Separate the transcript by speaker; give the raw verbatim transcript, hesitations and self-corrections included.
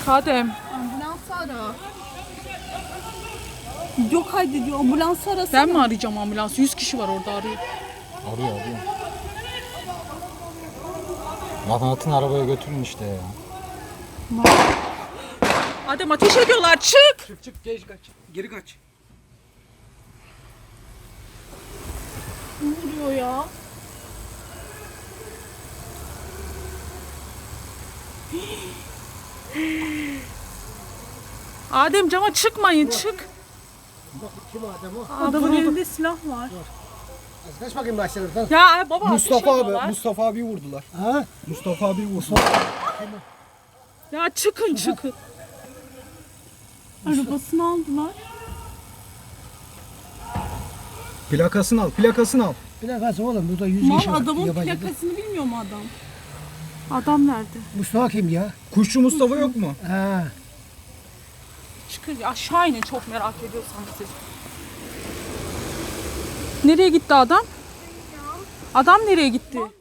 Speaker 1: Adem.
Speaker 2: Ambulans ara. Yok haydi diyor, ambulans arasana.
Speaker 1: Ben mi arayacağım ambulansı? yüz kişi var orada arıyor.
Speaker 3: Arıyor arıyor. Lan atın arabaya götürün işte ya.
Speaker 1: Adem ateş ediyorlar, çık.
Speaker 4: Çık çık geç kaç. Geri kaç.
Speaker 2: Ne oluyor ya?
Speaker 1: Adem cama çıkmayın, çık.
Speaker 4: Kim adam o?
Speaker 2: Adamın elinde silah var.
Speaker 4: Kaç bakayım başlarından.
Speaker 1: Ya baba
Speaker 5: Mustafa
Speaker 1: ateş
Speaker 5: abi,
Speaker 1: ediyorlar.
Speaker 5: Mustafa abi vurdular.
Speaker 4: Ha?
Speaker 5: Mustafa abi vurdu.
Speaker 1: Ya çıkın çıkın.
Speaker 2: Arabasını aldılar.
Speaker 5: Plakasını al, plakasını al.
Speaker 4: Plakası oğlum burada yüz
Speaker 2: Mal
Speaker 4: kişi var.
Speaker 2: adamın
Speaker 4: Yabancı.
Speaker 2: plakasını bilmiyor mu adam? Adam nerede?
Speaker 4: Mustafa kim ya?
Speaker 5: Kuşçu Mustafa yok mu?
Speaker 4: Ha.
Speaker 1: Çıkın aşağı inin, çok merak ediyorsanız siz. Nereye gitti adam? Adam nereye gitti?